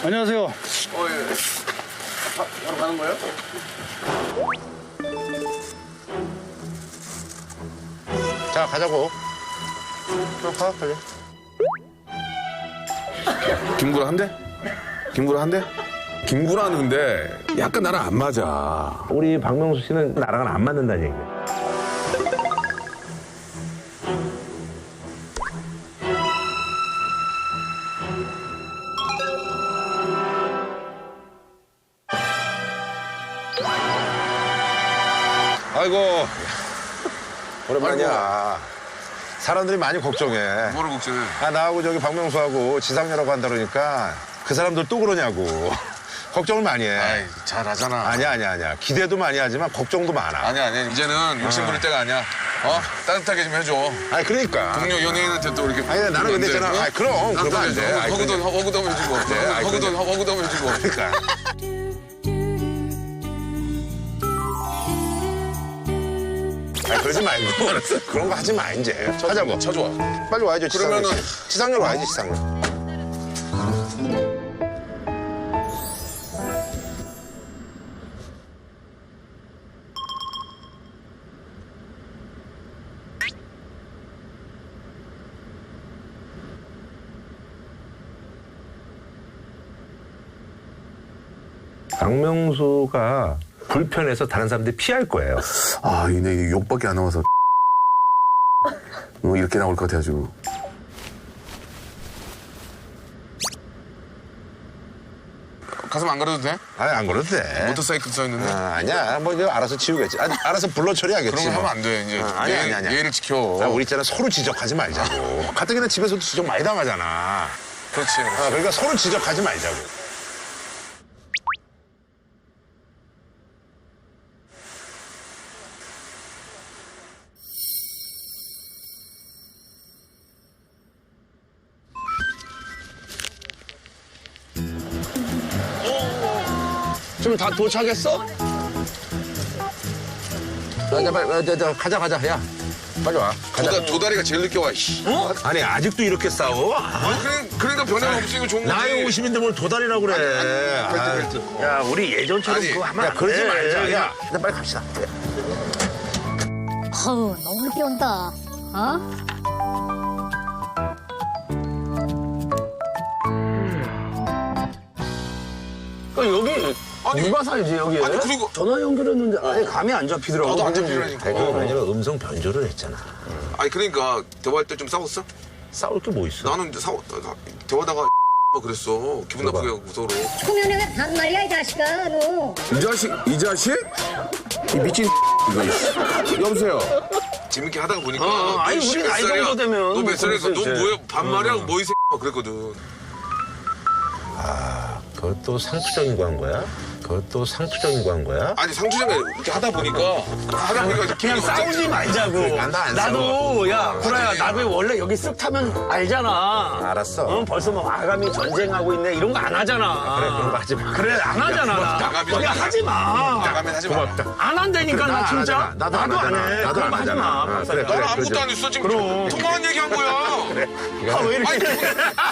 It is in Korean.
안녕하세요. 예. 바로 가는 거예요? 자, 가자고. 그럼 가, 빨리. 김구라 한대? 김구라 한대? 김구라는 근데 약간 나랑 안 맞아. 우리 박명수 씨는 나랑은 안 맞는다는 얘기야. 아이고. 오랜만이야. 사람들이 많이 걱정해. 뭐를 걱정해? 아, 나하고 저기 박명수하고 지상렬하고 한다 그러니까 그 사람들 또 그러냐고. 걱정을 많이 해. 아이, 잘하잖아. 아니야. 기대도 많이 하지만 걱정도 많아. 아니야. 이제는 욕심 부릴 때가 아니야. 따뜻하게 좀 해줘. 아니, 그러니까. 동료 연예인한테 또 이렇게. 아니, 나는 근데 있잖아. 아이, 그럼. 그러면 안 돼. 아이, 허구도 해주고. 아이, 허구도 해주고. 그러니까. 아, 그러지 말고. 그런 거 하지 마, 이제. 하자고. 쳐줘. 빨리 와야죠, 지상렬. 그러면은- 지상렬 와야지, 지상렬. 박명수가 불편해서 다른 사람들이 피할 거예요. 아, 이게 욕밖에 안 나와서. 이렇게 나올 것 같아가지고. 가슴 안 가려도 돼? 아니, 안 그래도 돼. 모터사이클 써있는데? 아니야. 뭐, 이거 알아서 치우겠지. 알아서 불러 처리하겠지. 그런 거 뭐. 하면 안 돼, 이제. 아니야. 예의를 지켜. 아, 우리 있잖아. 서로 지적하지 말자고. 가뜩이나 집에서도 지적 많이 당하잖아. 그렇지. 그러니까 서로 지적하지 말자고. 좀 다 도착했어? 자, 빨리, 가자. 야, 빨리 와. 가자. 도다리가 제일 늦게 와, 씨. 아니 아직도 이렇게 싸워? 그러니까 변함없으니까 좋은 거지. 나이 50인데 뭘 도다리라고 그래. 야 우리 예전처럼 아니, 그거 하면 안 그러지 돼. 말자. 야, 일단 빨리 갑시다. 어우, 너무 늦게 온다. 어? 여기 누가 살지 여기에? 아니, 그리고. 전화 연결했는데 아예 감이 안 잡히더라고. 나도 안 잡히라니까. 아니, 그건 아니라 음성 변조를 했잖아. 아니, 그러니까, 대화할 때 좀 싸웠어? 싸울 게 뭐 있어? 나는 이제 대화다가 뭐 그랬어. 기분 나쁘게 하고 서로. 초면에 왜 반말이야, 이 자식아, 너. 이 자식? 이 미친 이거. 여보세요. 재밌게 하다가 보니까. 아니, 우리 나이 정도 되면 너 몇 살이니까 너 그랬을 때. 뭐야? 반말이야? 뭐 이 새끼야? 그랬거든. 그것도 상투적인 거 한 거야? 그것도 상투적인 거 한 거야? 아니, 상주장에 이렇게 하다 보니까 그냥 싸우지 말자고. 안 나도 야 구라야 나도 원래 여기 쓱 타면 알잖아. 알았어. 응, 벌써 뭐 아가미 전쟁하고 있네 이런 거 안 하잖아. 그래 그런 거 하지 마. 그래 안 하잖아. 나가면 그냥 하지 마. 나가면 하지 마. 안 한다니까 나 진짜. 하잖아. 나도 안 안 하잖아. 해. 나도 그런 안 거 하지 하잖아. 마. 그래, 나는 아무것도 안 했어. 지금 통화한 얘기 한 거야. 아, 왜 이렇게. 아니,